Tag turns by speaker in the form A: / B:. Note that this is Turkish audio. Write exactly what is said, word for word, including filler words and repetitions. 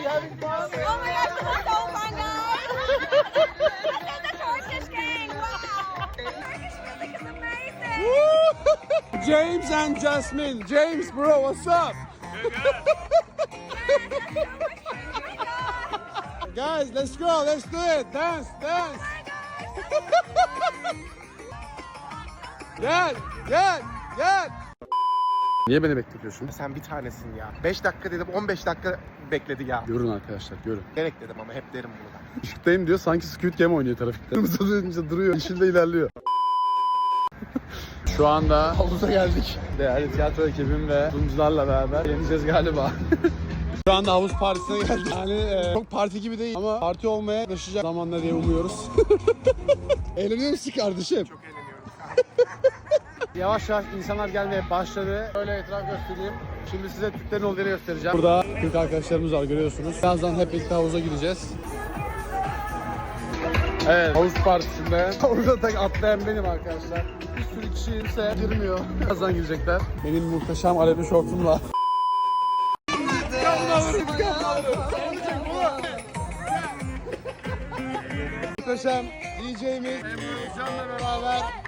A: having fun?
B: Oh my gosh, this is so fun, guys! This is the Turkish gang! Wow! Turkish music is amazing!
A: James and Jasmine. James, bro, what's up? Guys, let's go. Let's do it. Dance, dance. Gel, gel, gel. Niye beni bekletiyorsun?
C: Sen bir tanesin ya. beş dakika dedim, on beş dakika bekledi ya.
A: Görün arkadaşlar, görün.
C: Gerek dedim ama hep derim bunu da.
A: Işıktayım diyor, sanki Squid Game oynuyor trafikte. Kırmızı dönünce duruyor, yeşilde ilerliyor. Şu anda havuza geldik. Değerli tiyatro ekibim ve sunucularla beraber yeneceğiz galiba. Şu anda havuz partisine geldik. Yani e, çok parti gibi değil ama parti olmaya yaklaşacak zamanla diye umuyoruz. Eğleniyor musun kardeşim?
C: Çok eğleniyorum.
A: Yavaş yavaş insanlar gelmeye başladı. Böyle etraf göstereyim. Şimdi size Türklerin olduğunu göstereceğim. Burada Türk arkadaşlarımız var, görüyorsunuz. Birazdan hep birlikte havuza gideceğiz. Evet, havuz partisinde havuza tek atlayan benim arkadaşlar. Bir sürü kişi ise girmiyor. Birazdan girecekler. Benim muhteşem alevli şortumla. Muhteşem D J'miz Emre Can'la beraber